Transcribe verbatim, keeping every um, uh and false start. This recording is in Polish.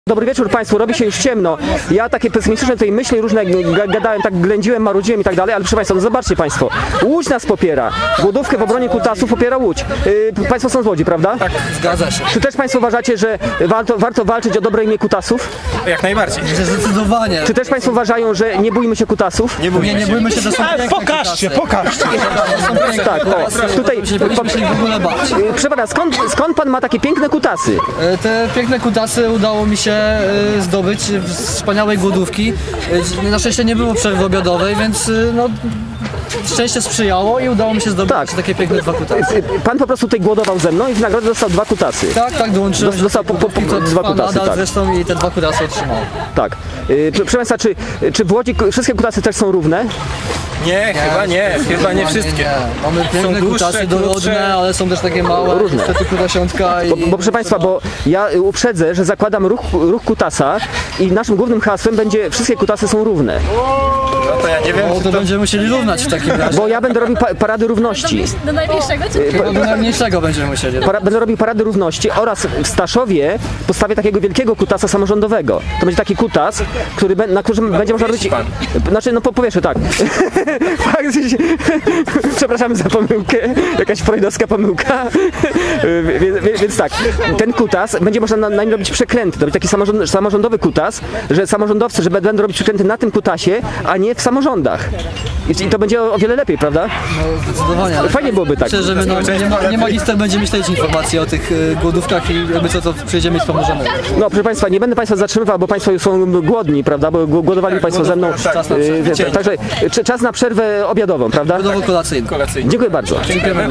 Dobry wieczór Państwu, robi się już ciemno. Ja takie pesymistyczne tutaj myśli różne gadałem, tak ględziłem, marudziłem i tak dalej, ale proszę Państwa, no zobaczcie Państwo, Łódź nas popiera. Głodówkę w obronie kutasów popiera Łódź. Yy, państwo są z Łodzi, prawda? Tak, zgadza się. Czy też Państwo uważacie, że warto, warto walczyć o dobre imię kutasów? Jak najbardziej. Zdecydowanie. Czy też Państwo uważają, że nie bójmy się kutasów? Nie bójmy Nie, nie się. bójmy się, to są piękne Pokażcie, kutasy. pokażcie. Tak, o, tutaj, Nie powinniśmy się ich w ogóle bać. yy, przepraszam, skąd, skąd Pan ma takie piękne kutasy? E, Te piękne kutasy udało mi się e, zdobyć z wspaniałej głodówki. E, Na szczęście nie było przerwy obiadowej, więc e, no, szczęście sprzyjało i udało mi się zdobyć Tak. takie piękne dwa kutasy. Yy, Pan po prostu tutaj głodował ze mną i w nagrodę dostał dwa kutasy. Tak, tak, dołączyłem. Dos- dostał po- po- po- do tej dwa głodówki, to kutasy, trwa nadal tak. zresztą i te dwa kutasy otrzymał. Tak. Yy, proszę Państwa, czy, czy w Łodzi ku- wszystkie kutasy też są równe? Nie, chyba nie, chyba nie wszystkie. Mamy piękne dłuższe, kutasy krótsze. dorodne, ale są też takie małe, Różne. niestety kutasiątka i... Bo, bo proszę Państwa, bo ja y, uprzedzę, że zakładam ruch, ruch kutasa i naszym głównym hasłem będzie wszystkie kutasy są równe. No to ja nie wiem, No czy to to... będziemy musieli równać w takim razie. Bo ja będę robił pa parady równości. Do najmniejszego czy Chyba do najmniejszego będziemy musieli. Para będę robił parady równości oraz w Staszowie postawię takiego wielkiego kutasa samorządowego. To będzie taki kutas, który, be- na którym będzie można robić... pan. Znaczy, no po powieszę, tak. Tak, przepraszamy za pomyłkę, jakaś freudowska pomyłka. Więc, więc, więc tak, ten kutas, będzie można na, na nim robić przekręty. To będzie taki samorząd, samorządowy kutas, że samorządowcy, że będą robić przekręty na tym kutasie, a nie w samorządach. I, i to będzie o, o wiele lepiej, prawda? No, zdecydowanie. ale Fajnie byłoby tak. Myślę, że my, no, nie, ma, nie magister będzie myśleć informacji o tych y, głodówkach i jakby co to przyjdziemy i pomożemy. No, proszę Państwa, nie będę Państwa zatrzymywał, bo Państwo już są głodni, prawda? Bo gł- głodowali Państwo ze mną. tak, czas na Yy, przerwę. Także czy- czas na przerwę obiadową, prawda? Budowo kolacyjną. Kolacyjnie. Dziękuję bardzo. Dziękujemy.